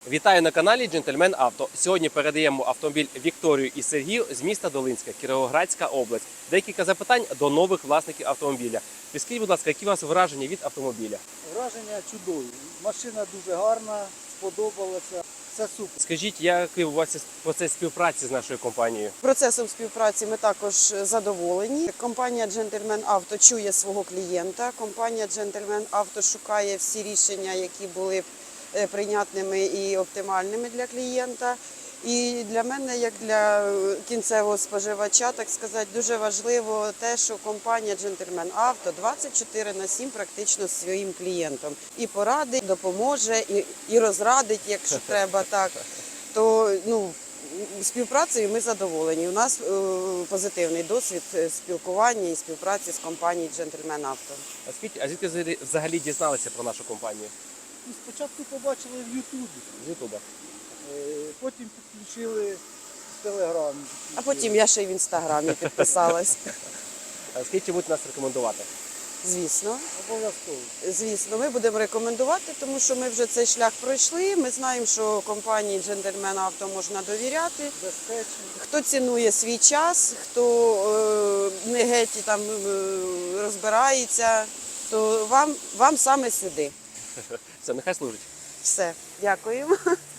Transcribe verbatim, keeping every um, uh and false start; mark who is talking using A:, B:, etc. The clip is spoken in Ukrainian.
A: Вітаю на каналі Джентльмен Авто. Сьогодні передаємо автомобіль Вікторію і Сергію з міста Долинська, Кіровоградська область. Декілька запитань до нових власників автомобіля. Скажіть, будь ласка, які у вас враження від автомобіля?
B: Враження чудові. Машина дуже гарна, сподобалася. Все супер.
A: Скажіть, який у вас процес співпраці з нашою компанією?
C: Процесом співпраці ми також задоволені. Компанія Джентльмен Авто чує свого клієнта. Компанія Джентльмен Авто шукає всі рішення, які були б прийнятними і оптимальними для клієнта. І для мене, як для кінцевого споживача, так сказати, дуже важливо те, що компанія Джентльмен Авто двадцять чотири на сім практично зі своїм клієнтом. І порадить, допоможе, і, і розрадить, якщо треба так. То ну, співпрацею ми задоволені. У нас е, позитивний досвід спілкування і співпраці з компанією Джентльмен Авто.
A: А скажіть, а звідки взагалі дізналися про нашу компанію?
B: Ну, спочатку побачили в Ютубі,
A: З Ютуба.
B: потім підключили в Телеграмі.
C: А потім я ще й в Інстаграмі підписалась.
A: А скажіть, чи будете нас рекомендувати?
C: Звісно.
B: Обов'язково.
C: Звісно, ми будемо рекомендувати, тому що ми вже цей шлях пройшли. Ми знаємо, що компанії Джентльмен Авто можна довіряти.
B: Безпечно.
C: Хто цінує свій час, хто е, не геть там е, розбирається, то вам, вам саме сюди.
A: Все, нехай служить.
C: Все, дякуємо.